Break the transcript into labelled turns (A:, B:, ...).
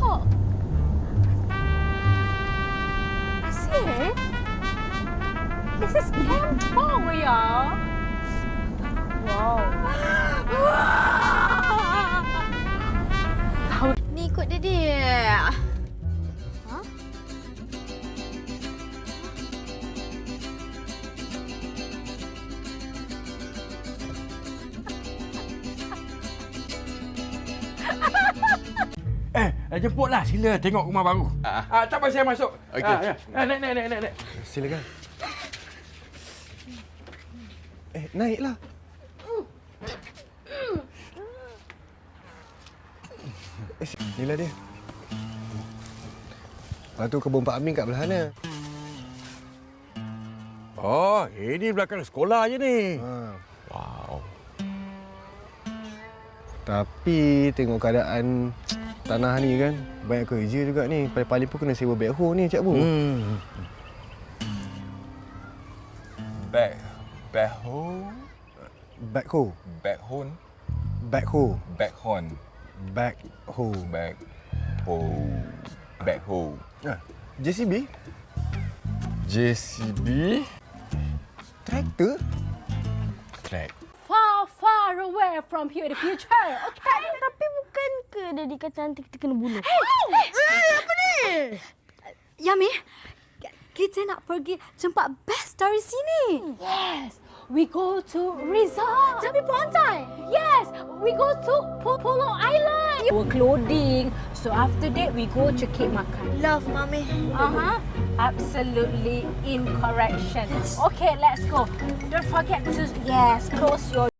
A: See? This is Kampong, ya. Wow.
B: Ni ikut dia. Ha?
C: Jemputlah. Sila tengok rumah baru. Tak payah saya masuk.
D: Okey.
C: Naik.
D: Silakan. Naiklah. Inilah dia. Lepas tu kebun Pak Amin kat belah mana?
C: Oh, ini belakang sekolah je ni.
D: Wow. Tapi tengok keadaan tanah ni kan, banyak kerja juga ni. Paling-paling pun kena sewa backhoe ni, Cik Bu.
E: Backhoe?
D: Backhoe.
E: Backhone?
D: Backhoe.
E: Backhorn.
D: Backhoe.
E: Backhoe.
D: JCB?
E: JCB?
D: Traktor?
E: Track.
A: Far away from here in the future. Okay?
B: Tapi bukan ke dia kata nanti kita kena bunuh?
A: Apa ni?
B: Yami, kita nak pergi tempat best dari sini.
A: Yes. We go to resort. Tepi pantai. Yes. We go to Pulau Island. Our clothing. So after that, we go cekik makan.
B: Love, Mami.
A: Absolutely incorrection. Okay, let's go. Don't forget to, yes, close your